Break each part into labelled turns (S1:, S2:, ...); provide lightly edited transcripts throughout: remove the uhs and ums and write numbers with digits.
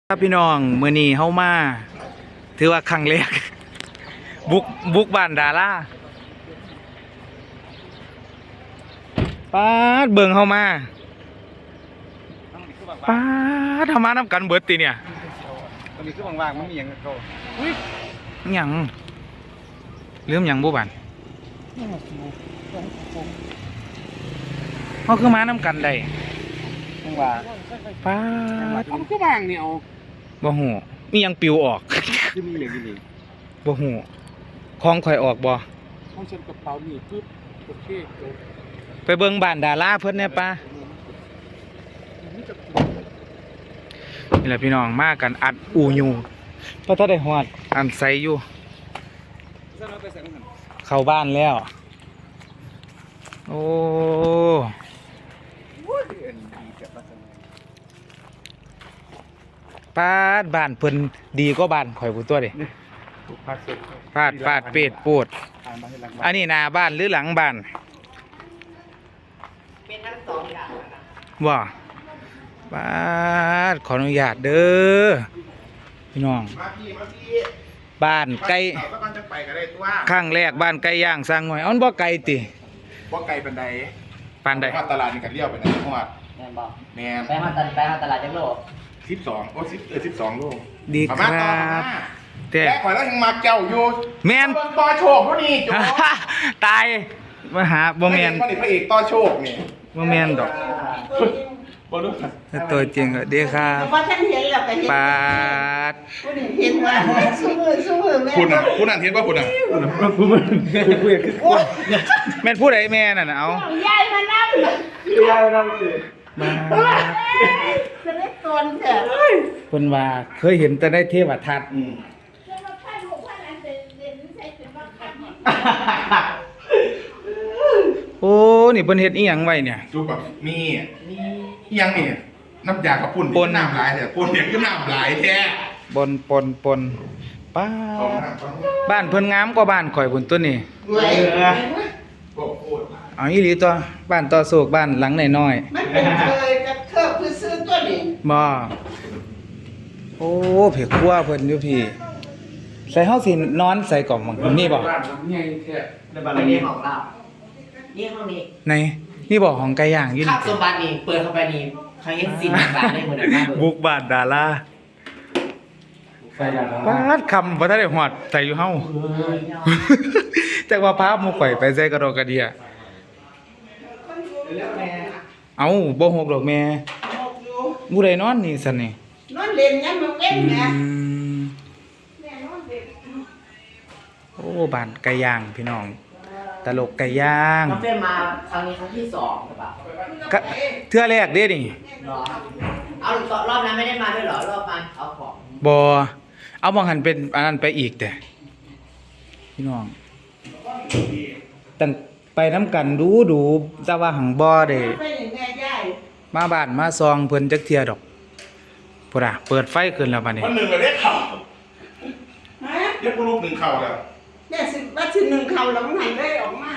S1: ครับพี่น้องมื้อนี้เฮามาถือว่าครั้งแรกบุกบ้านดาราป๊าดเบิ่งเฮามาป๊าดทำมาน้ำกันเบิดติเนี่ย
S2: ตอนนี้คือว่างๆมันมีอย่างเขา
S1: หยังลืมหยังบ่บันเฮาคือมาน้ำกันได้
S2: ว่า
S1: ป๊าด
S2: มันคือว่างเนี่ยเอา
S1: บ่ฮู้มีหยังปิวออก
S2: คือมีอย่างนี้
S1: บ่ฮู้ของข่อยออกบ่
S2: ห้องเช่นกระเป๋านี่ปึ๊บโอเค
S1: ไปเบิ่งบ้านดาราเพิ่นแน่ป่ะนี่แหละพี่น้องมากันอัดอูยูเพราะถ้าได้ฮอดอันใสอยู่เข้าบ้านแล้วโอ้ปาดบ้านเพิ่นดีก็บ้านข่อยผู้ตัวดิปาดเป็ดปูดอันนี้หน้าบ้านหรือหลังบ้าน
S3: เป็นทั้งสองอย่างนะ
S1: ว่าปาดขออนุญาตเด้อพี่น้องบ้านไก่ข้างแรกบ้านไก่ย่างสร้างหน่อยเอาบ่ไก่ติ
S2: ว่าไกลปันใด
S1: ปานใด
S2: ตลาดนี่กันเลี้ยวไปไหนจังหวัด
S3: แม่นบอก
S2: แมน
S3: ไปหาตลาดจังโล
S2: 1212โล
S1: ดีครับแต่
S2: แกข่อยแล้วยังมาเจ้าอยู่
S1: แม่น
S2: ต่อโชคพวกนี้โจ้
S1: ตายมาหาบ่แม่น
S2: พระเอกต่อโชคนี่
S1: บ่แม่นดอก
S2: บ่รู้
S1: ตัวจริงก็ดีครับ
S4: ว่าท่านเห็นแล้วก็เห็น
S1: ปาด
S4: เห็นว่าสู้มือแม่
S2: คุณนั่นเห็นป่ะคุณน่ะ
S1: แม่นผู้ใดแม่นั่นน่ะเอา
S4: ยายมานั่ง
S1: มา
S4: จะได้ตนเถอะ
S1: เพิ่นว่าเคยเห็นแต่ในเทวทัศน์โอ้นี่เพิ่นเฮ็ดอีหยังไว้เนี่ย
S2: จุ๊บแบบนี่ยังนี่น้ำยากระปุ่นน้ำลายแต่ปุ่นเนี่ยคือน้ำลายแท้
S1: ปนป้าบ้านเพิ่นงามกว่าบ้านข่อยพุ่นตัวนี้
S4: เว้ย
S1: เอาอีหลีตัวบ้านต่อโศกบ้านหลังน้อย
S4: มันเป็นเคยกับเคอบคือซื้อตัวนี้
S1: ๆบ่โอ้เผ็ดคั่วเพิ่นอยู่พี่ใส่เฮาสินอนใส่กล่องมังนี่บ่
S3: ในบ้านนี้ของเรานี่ห้องนี้
S1: ในนี่บ่ของไก่ย่างอยู่
S3: ข้า
S1: นี่
S3: วสมบัตินี่เปิดเข้าไปนี่เขาเห็นสิ่งต่างๆได้หมดเลยนะ
S1: บุกบ้านดาราปาดคำบ่ทันได้ฮอดใส่อยู่เฮา จักว่าพาหมู่ข่อยไปใส่กระดอกกระเดียเอ้าบ่ฮกดอกแม่
S4: บอกอยู่
S1: ผู้ใดนอนนี่ซั่นนี่
S4: นอนเล่นยังมันเว้นแม่
S1: ม
S4: แม่นอนเล่น
S1: โอ้บ้านไก่ย่างพี่น้อง ตลกไก่ย่าง
S3: น้องเฟรมมาครั้งนี้ครั้งที่2หรือเปล่า
S1: ก็เทื่อแรกเด้นี่
S3: รอเอารอบนั้นไม่ได้มาด้วยเหรอรอบมาเอาของ
S1: บ่เอาบางหันเป็นอันนั้นไปอีกแต่พี่น้องตั้งไปน้ำกันดูแต่ว่าหังบ่ได้
S4: ไปอย่างแม่ยาย
S1: มาบ้านมาซองเพิ่นจักเที่ยดอกพุ่นน่ะเปิดไฟขึ้นแล้วบัดนี้
S2: มันหนึ่งเลยได้เข่า
S4: ฮะ
S2: เรียกลูกหนึ่งเข่าแล้ว
S4: แม่สิว่าสิหนึ่งเขาแล้วมันหันได้ออกมา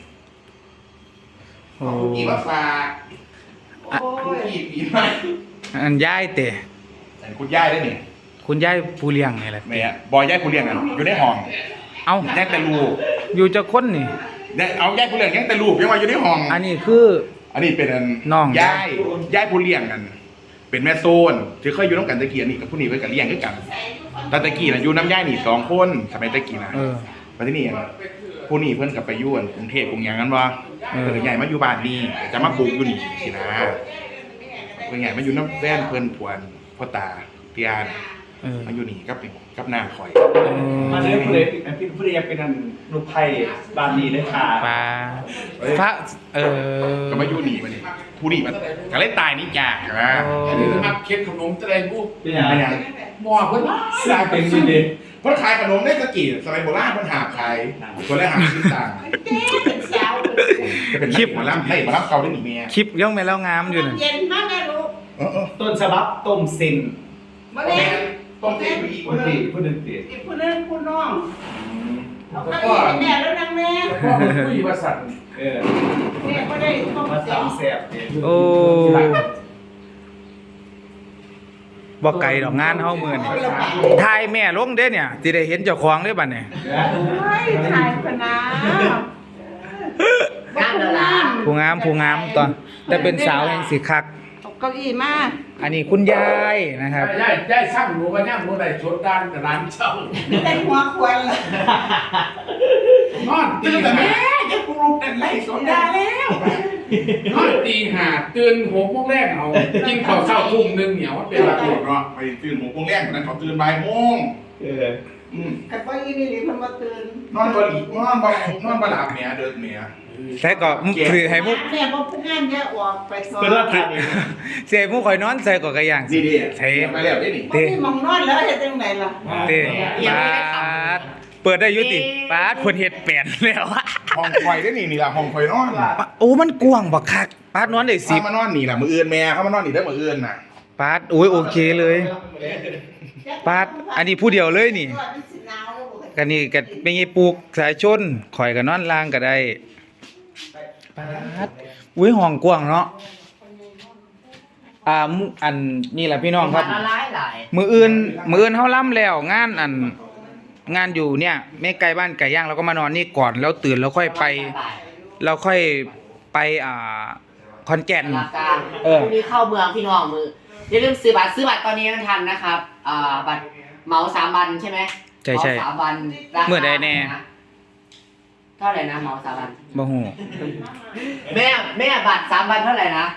S1: โอ้
S2: คุกกี้มาฝาก
S4: โอ้
S2: คุก
S4: ย
S2: กี้ปีใหม่
S1: อันยายเตะ
S2: แต่คุณย่ายได้นี่
S1: คุณยายผู้เลี้ยงนี่แหละ
S2: แม่บอยย่ายผู้เลี้ยงกันอยู่ในห้อง
S1: เอา
S2: แยกแต่ลูก
S1: อยู่จักคนนี่
S2: เอาย่ายผู้เลี้ยงแยกแต่ลูกยังมาอยู่ในห้อง
S1: อันนี้คือ
S2: อันนี้เป็น
S1: น้อง
S2: ย่ายผู้เลี้ยงกัน เป็นแม่โซนที่เคยอยู่น้ำกันตะกี้นี่กับผู้นี้ไว้กับเลี้ยงด้วยกันแต่ตะกี้น่ะอยู่น้ำย่ายนี่2 คนสมัยตะกี้นะ
S1: เออ
S2: มาที่นี่ผู้นี้เพิ่นกับไปอยู่กรุงเทพกรุงหยังกันว่า
S1: เออ
S2: เพิ่นใหญ่มาอยู่บ้านนี่จะมาปลูกอยู่นี่สินะเพิ่นใหญ่มาอยู่น้ำแว่นเพิ่นผวนพ่อตาเตียน
S1: เออ
S2: มาอยู่นี่กับนางคอย
S5: มาเลยผู้ใดผู้ใดอยากเป็นอันลูกไผ่บ้านนี้เลยค่ะ
S1: ปลาพระ
S2: ก็มาอยู่นี่มานี่ผู้นี่มันก็เลยตายนี่จ้าใช่ไหม
S5: อันนี้คือมาเค้กขนมจะได้กูเป็นยังไง
S2: ไม่ยัง
S5: หมอเพิ่นสร้างเป็นดีเด่น
S2: เพิ่นขายขนมได้ตะกี้สมัยโบราณเพิ่นหาขายคนแรกหาชิ้นต่าง
S4: เจ๊เป็นสาว
S2: จะเป็นคลิปหมอลำให้หมอลำเก่าได้หนิเมีย
S1: คลิปย่องแม่แล้วงามอยู่น่ะ
S4: เย็นมากแม่ลูก
S5: ต้นฉบับต้มเส้น
S4: มาเล่น
S2: ต้องเต้นไปอีก
S5: คนตีผู้หนึ่งตี
S4: อีกคนนึงคุณน้องเอา
S5: แล้ว
S4: ข้าว
S5: ก็
S4: อีกแม่แล้วนางแม่
S5: ก็ผู้หญิงประสัน
S4: แม่ก็ได้ต้อง
S5: มา
S4: เสีย
S5: ตามแซ่บเนี่ย
S1: โอ้บ่ไกลดอกงานเฮามื้อนี้ถ่ายแม่ลงเด้เนี่ยสิได้เห็นเจ้าของเด้บัดนี้
S4: เฮ้ยถ่ายพนา
S3: งามแล้วล่ะ
S1: ผู้งามตอนแต่เป็นสาวแห่งสิคัก
S4: เอาเก้าอี้มา
S1: อันนี้คุณยายนะครับ
S6: ได้ช่างหนูกันย่างหนูได้ชดด้านกับร้านเช่า
S4: แต่หัวควรเลย
S6: นอนตื่นแต่แม่ยังปลุกแต่ไรสนดาแล้วนอนตีห้าตื่น6 โมงแรกเอากินข้าวเช้าทุ่มหนึงเหนียวเป็น
S2: เว
S6: ไร
S2: ลาตรวจเนาะไปตื่น6 โมงแรกนั้นเขาตื่นบ่ายโมง
S5: เออ
S4: แต่พออีนี่นี่มันมาตื่น
S2: นอนบ่หลับเมียเดินเมีย
S1: แต่ก็คือให้มุก
S4: แม่บอกผู้งานแยกออกไปสอน
S5: เพื่อนว่าถ่ายเอง
S1: เสียมุกข่อยนอนใส่ก็กระย่าง
S2: นี่ดิ
S1: ใส่
S2: ไปแล้วนี่นี่
S4: บ่มีหมองนอนแล้วเฮ็ดจังไดล่ะ
S1: เต้ปาดเปิดได้อยุติปาดเพิ่นเฮ็ดแปลนแล้วอะ
S2: ห้องไฟได้นี่ล่ะห้องไฟนอน
S1: โอ้มันกว้างบักคักปาดนอนได้
S2: เข้ามานอนนี่ล่ะมื้ออื่นแม่เข้ามานอนนี่ได้มื้ออื่นน่ะ
S1: 10ปาดโอ้ยโอเคเลยปาดอันนี้ผู้เดียวเลยนี่กันนี่ก็เป็นไงปลูกสายชนข่อยก็นอนล่างก็ได้ปาดอุ้ยห้องกว้างเนาะอันนี่แหละพี่น้องครับ
S3: ละลายหลาย
S1: มื้ออื่นเฮาล่ำแล้วงานอยู่เนี่ยแม่ไก่บ้านไก่ย่างเราก็มานอนนี่ก่อนแล้วตื่นแล้วค่อยไปเราค่อยไปขอนแก่น
S3: หลักการ
S1: เออ
S3: พรุ่งนี้เข้าเมืองพี่น้องมืออย่าลืมซื้อบัตรตอนนี้ยังทันนะครับบัตรเหมา3 วันใช่ไหม
S1: ใช่
S3: เหมา3 วันราคา
S1: เมื่อใดแน่
S3: เท่าไหร่นะเหมา3 วัน
S1: บ่ฮู้
S3: แม่บัตร3 วันเท่าไหร่นะ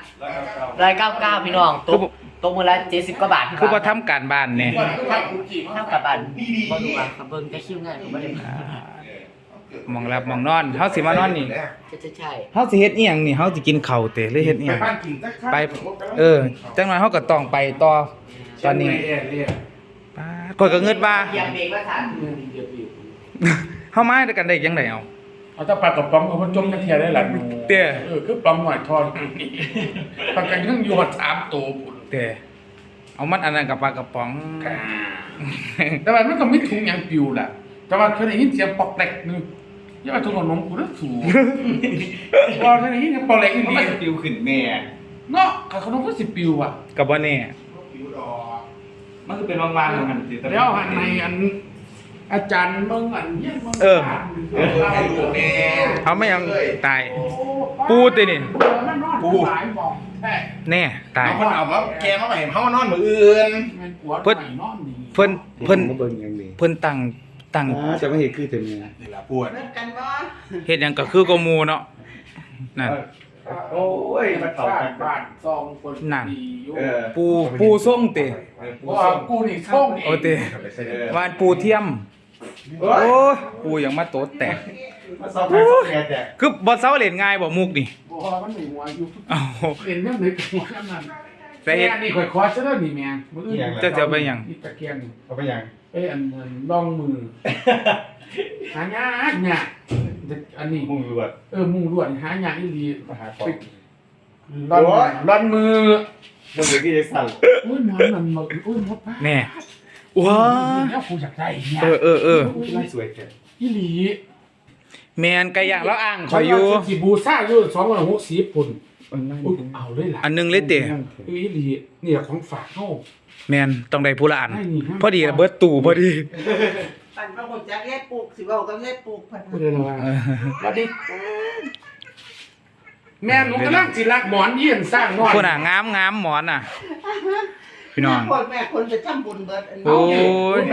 S3: 199พี่น้องตกมือละ70 กว่าบาท
S1: คือบ่ทำการบ้านแน่
S3: เท่ากับบัตรบ่รู้ว่าครับเบิ่งแต่คิวง่ายผมบ่ได้
S1: มองหลับมองนอนเฮาสิมานอนนี่
S3: ใช่
S1: เฮาสิเฮ็ดอีหยังนี่เฮาสิกินข้าวเตะหรือเฮ็ดอีห
S2: ไป
S1: ยัง
S2: บ้านกินสักครั้ง
S1: ไปจังหน่อยเฮาก็ต้องไปต่อตอนนี้ป๊าดข้อยก็เงิดว่า
S3: เหยียบเบรกแล้วทัน
S1: เฮามาด้วยกันได้จังไดเอา
S6: เอาถ้าปลากระป๋องเอามาจมกระเทียได้หลายหนู
S1: เตี้ย
S6: คือปลาหน่อยทอดนี่ปลากระยังอยู่หอด3 ตัวพุ่น
S1: เตะเอามันอันนั้นกับปลากระป๋อง
S6: แต่ว่ามันก็ไม่ถุงหยังปิวล่ะแต่ว่าเคยได้ยินเสียงปอกแตกนึงอย่ามาถุงขนมกูนะสูพอเคยได้ยินเสียงปอกแตกอี
S5: เพราะ
S6: ห
S5: มั
S6: ลี
S5: นจะปิวขึ้นแม่
S6: เนาะขนมก็สิปิวอ่ะ
S1: ก็บ่แน่
S2: ผิวดอก
S5: มันคือเป็นวางๆเหมือนกันสิ
S6: แล้วอันในอันอาจารย์เบิ่งอันเฮียนเบิ่ง
S2: ให้ลูกแม่
S1: เอาไม่ยังตาย ปูตินี่
S6: ปูหลายหม่องแท้
S1: แน่ตาย
S2: เอาคนเอามาแกมาให้เฮามานอนมื้ออื่น
S6: แม่นกวด
S1: เพิ่น
S6: ไหนอนนี่
S1: เพิ่น
S5: มาเบิ่งอย่างนี้
S1: เพิ่นตั้ง
S5: จะไม่เห็นคือแต่แม่
S2: นี่ล่ะปวด
S4: เลิกกันบ่
S1: เฮ็ดหยังก็คือก็หมู่เนาะนั่น
S5: โอ้ยมันเข้า
S6: บ้า
S5: กัน น
S6: บ้านซองคน
S1: นั่น
S6: ดีอยู่
S5: เออ
S1: ปูส่งติ
S6: ว่ากูนี่ส่ง
S1: โอติวานปูเทียม
S5: โอ้
S1: โอ้
S5: ย
S1: ยปูยังมาโตดแตก
S5: มาซ้อมกันซ้อมแม่แต่
S1: คือบ่เซาเล่นง่ายบ่มุกนี่
S6: บ่มันมีหัวอยู่
S1: เอ้า
S6: เห็นยังไงกับหัวยังนั้น
S1: ไปเฮ็ด
S6: แม่นี่ข่อยขอซะแล้วนี่แม่มื้ออื่น
S1: เจ้าจะเอาไปหยัง
S6: นี่ตะเกียงนี่
S5: เขาไปยัง
S6: ไปอันนั้นลองมือหายากเนี่ยอันนี้
S5: มุ่งรวด
S6: มุงลวดหายากอีหลี
S5: มาหาของ
S6: ร่อนมือ
S5: มันเป็นที่จะสั่น
S6: อุ้ยหมอนมันมาอุ้ยมดป้า
S1: แน่ว้า
S6: แล้วกูอยากได้เนี่ย
S1: เออ
S5: ไม่สวยแค่
S6: อีหลี
S1: แม่นไก่ย่างแล้วอ่างข่อยอยู่
S6: สิบูซ่าอยู่260ปุ่นอุ๊ยเอาเลยล่ะ
S1: อันหนึงเลยเตะ
S6: อีหลีเนี่ยของฝากเฮา
S1: แม่นต้องได้ผู้ละอัน
S6: ได้นี่ครับ
S1: พอดีระเบิดตู้พอดี
S4: ปั่นพระหุ่นจักแยกปลูกสิเว้ากับแยกปลูกเพิ่น
S6: พูดได้แล้วว่าสวัสดีแม่หนูกำลังสิรักหมอนเยี่ยนสร้างน้อย
S1: คนอ่ะงามหมอนอ่ะ พี่น้อง
S4: คนแม่คนไปทำบุญเบิดอันนี้
S1: โอ้ย